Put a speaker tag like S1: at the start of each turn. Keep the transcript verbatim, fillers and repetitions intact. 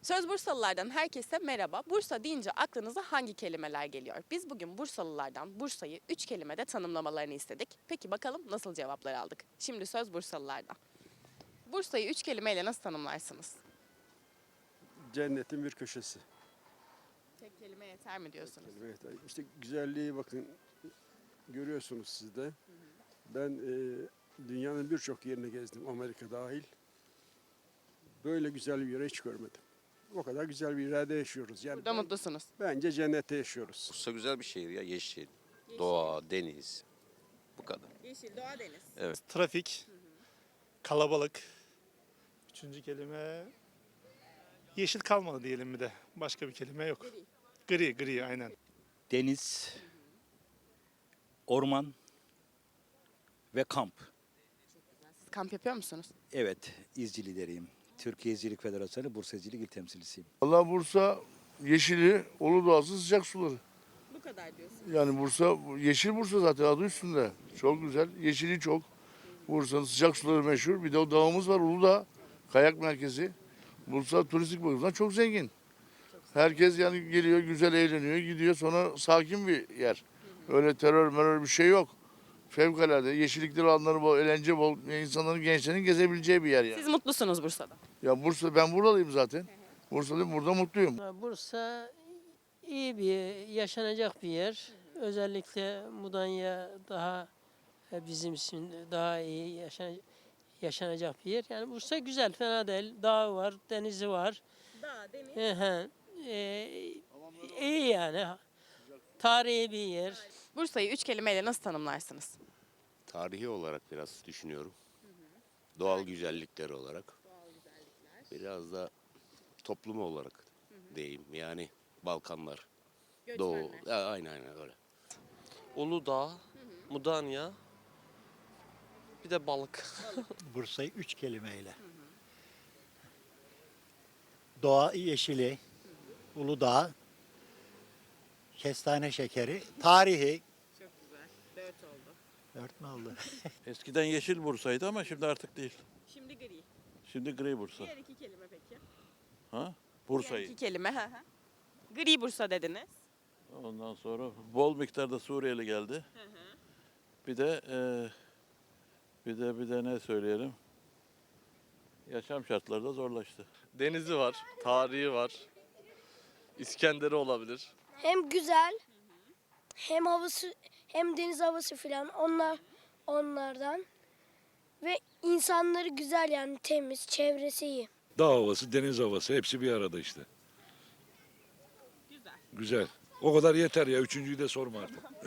S1: Söz Bursalılardan herkese merhaba. Bursa deyince aklınıza hangi kelimeler geliyor? Biz bugün Bursalılardan Bursa'yı üç kelimede tanımlamalarını istedik. Peki bakalım nasıl cevaplar aldık? Şimdi söz Bursalılardan. Bursa'yı üç kelimeyle nasıl tanımlarsınız?
S2: Cennetin bir köşesi.
S1: Tek kelime yeter mi diyorsunuz?
S2: Evet, işte güzelliği bakın görüyorsunuz siz de. Ben e, dünyanın birçok yerini gezdim, Amerika dahil. Böyle güzel bir yere hiç görmedim. O kadar güzel bir yerde yaşıyoruz. Yani
S1: Burada
S2: ben-
S1: mutlusunuz.
S2: bence cennette yaşıyoruz.
S3: Bursa güzel bir şehir ya. Yeşil, doğa, deniz. Bu kadar.
S1: Yeşil, doğa, deniz.
S3: Evet.
S4: Trafik, kalabalık. Üçüncü kelime yeşil kalmadı diyelim bir de. Başka bir kelime yok. Gri, gri aynen.
S5: Deniz, orman ve kamp.
S1: Siz kamp yapıyor musunuz?
S5: Evet, izci lideriyim. Türkiye İzcilik Federasyonu Bursa İzcilik İl Temsilcisiyim.
S6: Valla Bursa yeşili, Uludağ'sı, sıcak suları.
S1: Bu kadar diyorsunuz.
S6: Yani Bursa, yeşil Bursa zaten adı üstünde. Çok güzel, yeşili çok. Bursa'nın sıcak suları meşhur. Bir de o dağımız var Uludağ, kayak merkezi. Bursa turistik bakımdan çok zengin. Herkes yani geliyor, güzel eğleniyor, gidiyor. Sonra sakin bir yer. Öyle terör merör bir şey yok. Fevkalade yeşillikleri alanları bol, eğlence bol, insanların, gençlerin gezebileceği bir yer yani.
S1: Siz mutlusunuz Bursa'da.
S6: Ya Bursa, ben buralıyım zaten. Bursa'dayım, burada mutluyum.
S7: Bursa iyi bir, yaşanacak bir yer. Özellikle Mudanya daha e, bizim için daha iyi yaşan, yaşanacak bir yer. Yani Bursa güzel, fena değil. Dağı var, denizi var.
S1: Dağ, deniz.
S7: Hı hı. E, iyi yani. Tarihi bir yer.
S1: Bursa'yı üç kelimeyle nasıl tanımlarsınız?
S3: Tarihi olarak biraz düşünüyorum. Doğal güzellikleri olarak. Biraz da toplum olarak diyeyim. Yani Balkanlar, Doğu. Ya, aynen aynen öyle.
S8: Uludağ, Mudanya, bir de balık.
S9: Bursa'yı üç kelimeyle. Doğa yeşili, Uludağ, kestane şekeri, tarihi.
S1: Çok güzel. Dört oldu.
S9: Dört mü oldu?
S10: Eskiden yeşil Bursa'ydı ama şimdi artık değil.
S1: Şimdi gri.
S10: Şimdi gri Bursa.
S1: Diğer iki kelime peki?
S10: Ha?
S1: Diğer
S10: Bursa'yı.
S1: iki kelime. hı hı. Gri Bursa dediniz.
S10: Ondan sonra bol miktarda Suriyeli geldi. Bir de e, bir de bir de ne söyleyelim? Yaşam şartları da zorlaştı.
S8: Denizi var, tarihi var. İskender'i olabilir.
S11: Hem güzel hem havası hem deniz havası filan onlar onlardan ve insanları güzel yani temiz, çevresi iyi.
S12: Dağ havası, deniz havası hepsi bir arada işte.
S1: Güzel.
S12: Güzel. O kadar yeter ya. Üçüncüyü de sorma artık.